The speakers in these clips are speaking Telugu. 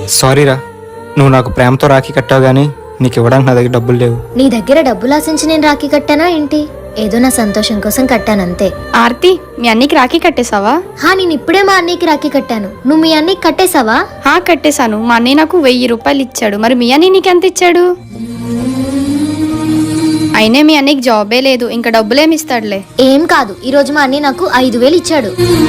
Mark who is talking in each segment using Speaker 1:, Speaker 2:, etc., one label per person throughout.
Speaker 1: సారీరా, నువ్వు నాకు ప్రేమతో రాఖీ కట్టావు గానీ నీకు ఇవ్వడానికి నా దగ్గర డబ్బులు లేవు.
Speaker 2: నీ దగ్గర డబ్బులు ఆశించి నేను రాఖీ కట్టానా ఏంటి? ఏదో నా సంతోషం కోసం కట్టానంతే.
Speaker 3: ఆర్తి, మీ అన్నీకి రాఖీ కట్టేసావా?
Speaker 2: నేను ఇప్పుడే మా అన్నయ్యకి రాఖీ కట్టాను. నువ్వు మీ అన్నయ్యకి కట్టేసావా?
Speaker 3: కట్టేశాను. మా అన్నయ్య నాకు 1000 రూపాయలు ఇచ్చాడు. మరి మీ అన్నయ్య నీకెంత ఇచ్చాడు? అయినా మీ అన్నయ్యకి జాబే లేదు, ఇంకా డబ్బులేమి ఇస్తాడులే.
Speaker 2: ఏం కాదు, ఈ రోజు మా అన్నయ్య నాకు 5000 ఇచ్చాడు.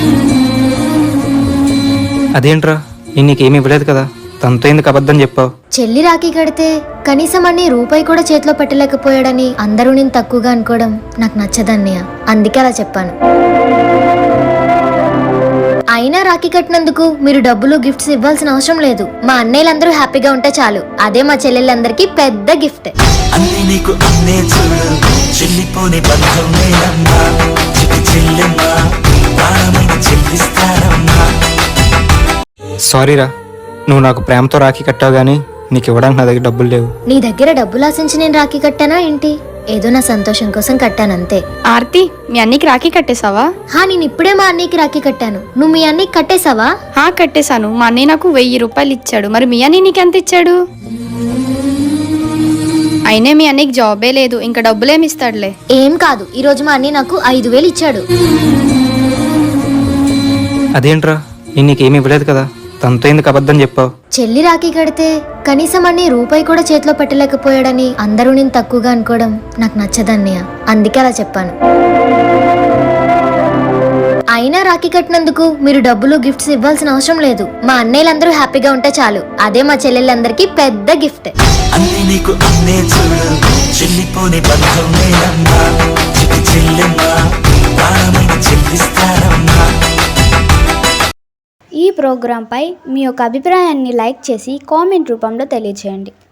Speaker 1: అదేంట్రా, నేను నీకేమి ఇవ్వలేదు కదా, తనతో ఎందుకు అబద్ధం చెప్పావు?
Speaker 2: చెల్లి రాఖీ కడితే కనీసం అన్ని రూపాయి కూడా చేతిలో పెట్టలేకపోయాడని అందరూ నేను తక్కువగా అనుకోవడం నాకు నచ్చదన్నయ్య. అందుకే అలా చెప్పాను. అయినా రాఖీ కట్టినందుకు మీరు డబ్బులు గిఫ్ట్స్ ఇవ్వాల్సిన అవసరం లేదు. మా అన్నయ్యలందరూ హ్యాపీగా ఉంటే చాలు. అదే మా చెల్లెళ్ళందరికీ పెద్ద గిఫ్ట్.
Speaker 1: సారీరా, నువ్వు నాకు ప్రేమతో రాఖీ కట్టావు గానీ నీకు ఇవ్వడానికి నా దగ్గర డబ్బులు లేవు.
Speaker 2: నీ దగ్గర డబ్బులు ఆశించి నేను రాఖీ కట్టానా ఏంటి? ఏదో నా సంతోషం కోసం కట్టానంతే.
Speaker 3: ఆర్తి, మీ అన్నీకి రాఖీ కట్టేసావా?
Speaker 2: నేను ఇప్పుడే మా అన్నయ్యకి రాఖీ కట్టాను. నువ్వు మీ అన్నయ్యకి కట్టేసావా?
Speaker 3: కట్టేశాను. మా అన్నయ్య నాకు 1000 రూపాయలు ఇచ్చాడు. మరి మీ అన్నయ్య నీకెంత ఇచ్చాడు? అయినా మీ అన్నయ్యకి జాబే లేదు, ఇంకా డబ్బులేమి ఇస్తాడులే.
Speaker 2: ఏం కాదు, ఈ రోజు మా అన్నయ్య నాకు 5000 ఇచ్చాడు.
Speaker 1: అదేంట్రా, నేను నీకేమి ఇవ్వలేదు కదా, తనతో ఎందుకు అబద్ధం చెప్పావు?
Speaker 2: చెల్లి రాఖీ కడితే కనీసం అన్ని రూపాయి కూడా చేతిలో పెట్టలేకపోయాడని అందరూ నేను తక్కువగా అనుకోవడం నాకు నచ్చదన్నయ్య. అందుకే అలా చెప్పాను. అయినా రాఖీ కట్టినందుకు మీరు డబ్బులు గిఫ్ట్స్ ఇవ్వాల్సిన అవసరం లేదు. మా అన్నయ్యలందరూ హ్యాపీగా ఉంటే చాలు. అదే మా చెల్లెళ్ళందరికీ పెద్ద గిఫ్ట్.
Speaker 4: ఈ ప్రోగ్రాంపై మీ యొక్క అభిప్రాయాన్ని లైక్ చేసి కామెంట్ రూపంలో తెలియజేయండి.